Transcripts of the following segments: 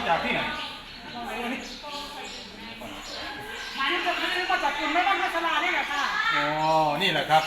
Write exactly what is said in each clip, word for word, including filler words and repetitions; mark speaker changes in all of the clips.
Speaker 1: จากที่ไหน
Speaker 2: มันจะคือมาจากกลุ่มแม่บ้านพัชรานี่แหละค่ะ
Speaker 1: อ๋อนี่แหละครับ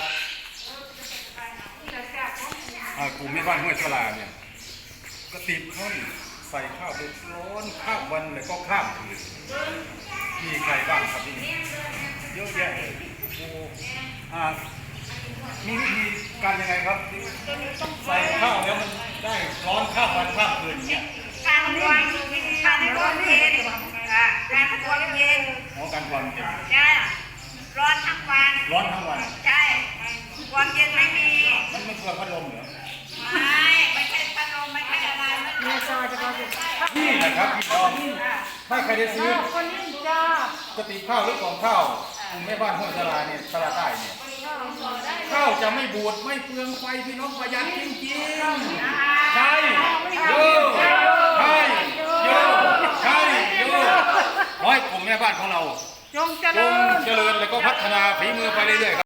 Speaker 1: กลุ่มแม่บ้านห้วยสลาเนี่ยกระติบข้าวใส่ข้าวเดือดร้อนข้ามวันเลยก็ข้ามคืนมีใครบ้างครับที่นี่เยอะแยะเลยโอ้อ่ามีวิธีการยังไงครับใส่ข้าวแล้วมันได้ร้อนข้ามวันข้ามคืนอย่างเงี้ย
Speaker 3: การทวนการทวนเย็นการทวนเย็น
Speaker 1: อ๋อการความเย็น
Speaker 3: ใช่ร้อนทั้งวัน
Speaker 1: ร้อนทั้งวัน
Speaker 3: ใช่ความเย็นไม่มี
Speaker 1: มันไม่เพื่อพัดลมเหรอ
Speaker 3: ไม่ไม่ใช่พัดลมไม่ใช่อะไร
Speaker 2: นี่จอจะก็
Speaker 1: นี่แหละครับพี่น้องถ้าใครได้ซื้อ
Speaker 2: คนนี้จ้าก
Speaker 1: ระติบข้าวหรือกล่องข้าวกลุ่มแม่บ้านห้วยสลาเนี่ยสลาใต้เนี่ยข้าวจะไม่บูดไม่เปลืองไฟพี่น้องประหยัดจริงๆใช่โย่ใช่โย่ใช่โย่ร้อยกลุ่มแม่บ้านของเรา
Speaker 2: จงเจริญ
Speaker 1: เจริญแล้วก็พัฒนาฝีมือไปเรื่อยๆ